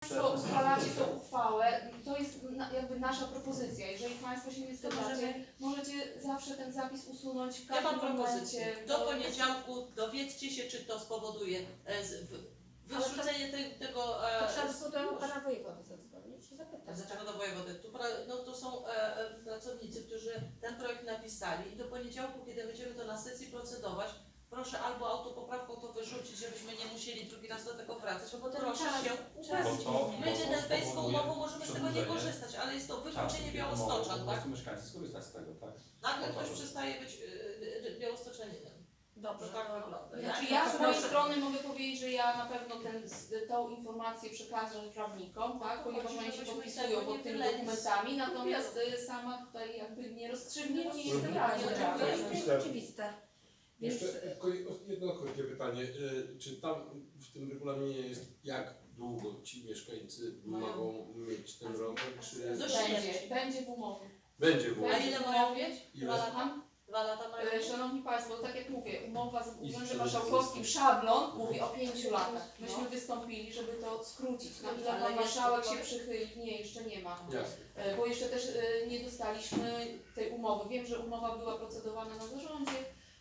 Państwo uchwalacie tę uchwałę, to jest jakby nasza propozycja. Jeżeli Państwo się nie zgadzacie, możecie zawsze ten zapis usunąć w Ja mam każdym propozycję. momencie. Do poniedziałku dowiedzcie się, czy to spowoduje wyrzucenie tego... To trzeba do pana wojewody zadzwonić i zapytać. Dlaczego do wojewody? To są pracownicy, którzy ten projekt napisali i do poniedziałku, kiedy będziemy to na sesji procedować, proszę albo autopoprawką to wyrzucić, żebyśmy nie musieli drugi raz do tego wracać, bo proszę się my europejską umową możemy z tego nie korzystać, ale jest to wykluczenie Białostoczan, tak? Mieszkańcy skorzystać z tego, tak? Nagle ktoś przestaje być białostoczaninem. Dobrze, tak wygląda. Znaczy ja z mojej strony mogę powiedzieć, że ja na pewno tą informację przekażę prawnikom, tak, ponieważ oni się podpisują pod tymi dokumentami, natomiast sama tutaj jakby nie rozstrzygnie, bo nie jestem radną. To jest oczywiste. Jeszcze jedno krótkie pytanie. Czy tam w tym regulaminie jest, jak długo ci mieszkańcy mogą mieć ten rower? Czy Będzie w umowie. będzie w A umowie? ile mają mieć? Ile? 2 lata? 2 lata mają? Szanowni Państwo, tak jak mówię, umowa z Urzędem Marszałkowskim, szablon mówi o 5 latach. Myśmy wystąpili, żeby to skrócić. Na ile pan marszałek się przychyli? Nie, jeszcze nie ma. Jasne. Bo jeszcze też nie dostaliśmy tej umowy. Wiem, że umowa była procedowana na zarządzie,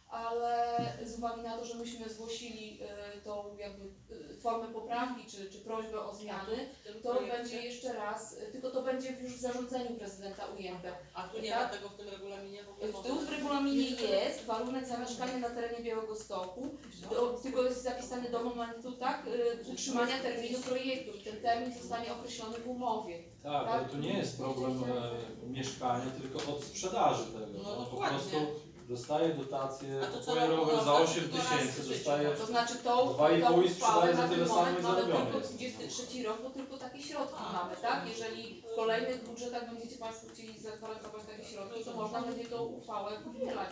ale z uwagi na to, że myśmy zgłosili tą jakby formę poprawki czy prośbę o zmiany, to będzie jeszcze raz, tylko to będzie już w zarządzeniu prezydenta ujęte. A tu nie ma tego w tym regulaminie w ogóle? W tyłu w regulaminie jest warunek zamieszkania na terenie Białegostoku, tylko jest zapisany do momentu utrzymania terminu projektu i ten termin zostanie określony w umowie. Tak, ale to nie jest problem mieszkania, tylko od sprzedaży tego. No, Po prostu dostaje dotację, A to co kupuje rower za 8 tysięcy, dostaje To znaczy tą 2,5 i uchwałę sprzedaje za na tyle ten samo moment i mamy zarobiony tylko jest. 23 rok, bo tylko takie środki mamy, tak? Jeżeli w kolejnych budżetach będziecie Państwo chcieli zagwarantować takie środki, to można będzie tą uchwałę powielać.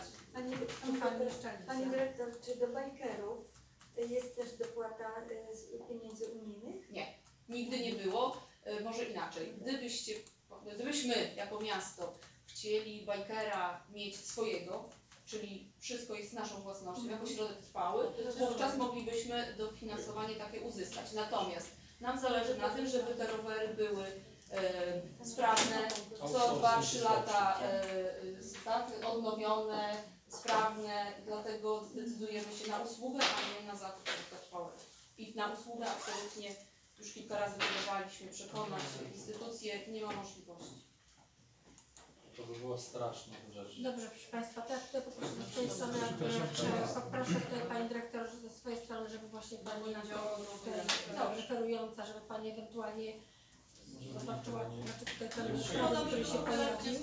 Pani dyrektor, czy do bajkerów jest też dopłata z pieniędzy unijnych? Nigdy nie było, może inaczej. Gdybyśmy jako miasto chcieli bajkera mieć swojego, czyli wszystko jest naszą własnością, jako środek trwały, wówczas moglibyśmy dofinansowanie takie uzyskać. Natomiast nam zależy na tym, żeby te rowery były sprawne, co 2-3 lata odnowione, sprawne, dlatego zdecydujemy się na usługę, a nie na zakup trwałego. I na usługę absolutnie już kilka razy próbowaliśmy przekonać instytucje, nie ma możliwości. To by było straszne rzecz. Dobrze, proszę Państwa, to ja tutaj poproszę ze swojej strony, poproszę tutaj Pani Dyrektor ze swojej strony, żeby właśnie Pani referująca, żeby Pani ewentualnie zobaczyła, znaczy tutaj ten środek, który się pojawił.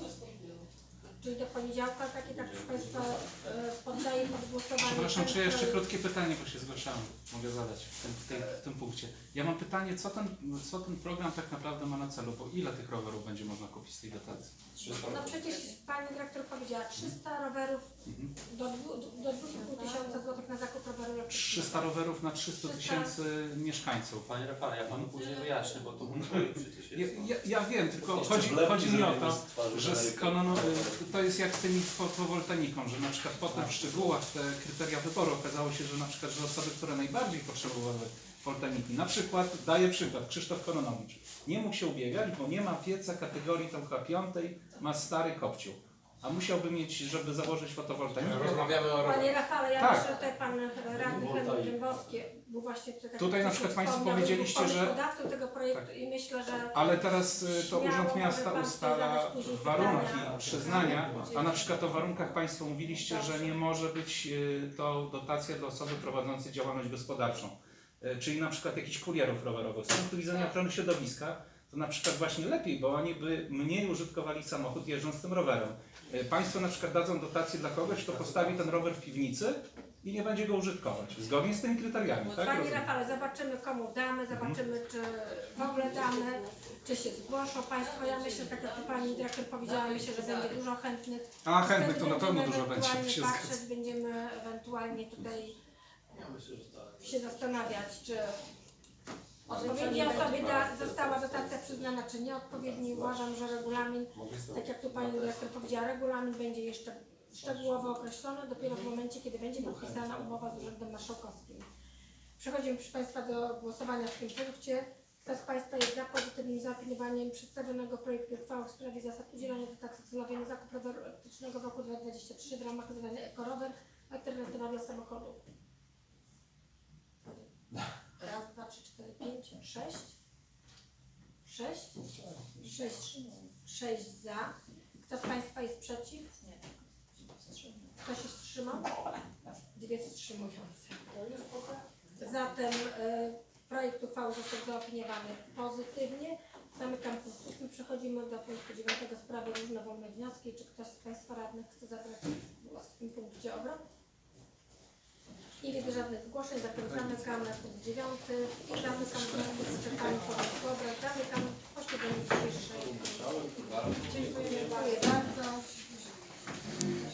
Czyli do poniedziałka takie, tak proszę Państwa, poddaję pod głosowanie. Przepraszam, czy ja jeszcze krótkie pytanie, bo się zgłaszałem, mogę zadać w tym punkcie. Ja mam pytanie, co ten program tak naprawdę ma na celu, bo ile tych rowerów będzie można kupić z tej dotacji? No przecież Pani Dyrektor powiedziała 300 rowerów do 2,5 tysiąca złotych na zakup roweru. 300 rowerów na 300 tysięcy mieszkańców. Panie Rafale, ja Panu później wyjaśnię, bo to przecież jest... Ja wiem, tylko chodzi mi o to, że to jest jak z tymi fotowoltaiką, że na przykład potem w szczegółach te kryteria wyboru okazało się, że na przykład, że osoby, które najbardziej potrzebowały woltaiki, na przykład, daję przykład, Krzysztof Koronowicz, nie mógł się ubiegać, bo nie ma pieca kategorii tam chyba 5, ma stary kopciuch, a musiałby mieć, żeby założyć fotowoltaikę. Rozmawiamy o Panie Rafale, ja Tak. myślę, że tutaj Pan Radny Henryk Dębowski był właśnie tutaj... Tutaj na przykład Państwo powiedzieliście, że... ...pomysłodawcą tego projektu i myślę, że... Ale teraz to śmiało Urząd Miasta może pan ustala zadać później warunki pytania. przyznania, a na przykład o warunkach Państwo mówiliście, że nie może być to dotacja dla osoby prowadzącej działalność gospodarczą. Czyli na przykład jakichś kurierów rowerowych. Z punktu widzenia ochrony środowiska to na przykład właśnie lepiej, bo oni by mniej użytkowali samochód jeżdżąc tym rowerem. Państwo na przykład dadzą dotację dla kogoś, kto postawi ten rower w piwnicy i nie będzie go użytkować. Zgodnie z tymi kryteriami, tak? Panie Rafale, zobaczymy komu damy, zobaczymy czy w ogóle damy, czy się zgłoszą Państwo. Ja myślę, tak jak Pani Dyrektor powiedziała, myślę, że będzie dużo chętnych. A chętnych to na pewno Będziemy dużo będzie. ewentualnie Się patrzeć, zgadzam. będziemy ewentualnie tutaj Ja myślę, że tak. się zastanawiać, czy odpowiedniej osobie została dotacja przyznana, czy nieodpowiedni. Uważam, że regulamin, tak jak tu Pani Dyrektor powiedziała, regulamin będzie jeszcze szczegółowo określony dopiero w momencie, kiedy będzie podpisana umowa z Urzędem Marszałkowskim. Przechodzimy, proszę Państwa, do głosowania w tym punkcie. Kto z Państwa jest za i zaopiniowaniem przedstawionego projektu uchwały w sprawie zasad udzielania dotacji celowej na zakup roweru elektrycznego w roku 2023 w ramach zadania Ekorower Alternatywa dla samochodu. Raz, dwa, trzy, cztery, pięć, sześć. Sześć za. Kto z Państwa jest przeciw? Nie. Kto się wstrzymał? Dwie wstrzymujące. Zatem projekt uchwały został zaopiniowany pozytywnie. Zamykam punkt 8. Przechodzimy do punktu 9. Sprawy różnowolne wnioski. Czy ktoś z Państwa radnych chce zabrać głos w tym punkcie obrad? Nie widzę żadnych zgłoszeń, zatem zamykam na punkt 9 i zamykam czytanie porządku obrad. Zamykam posiedzenie dzisiejszej. Dziękuję bardzo.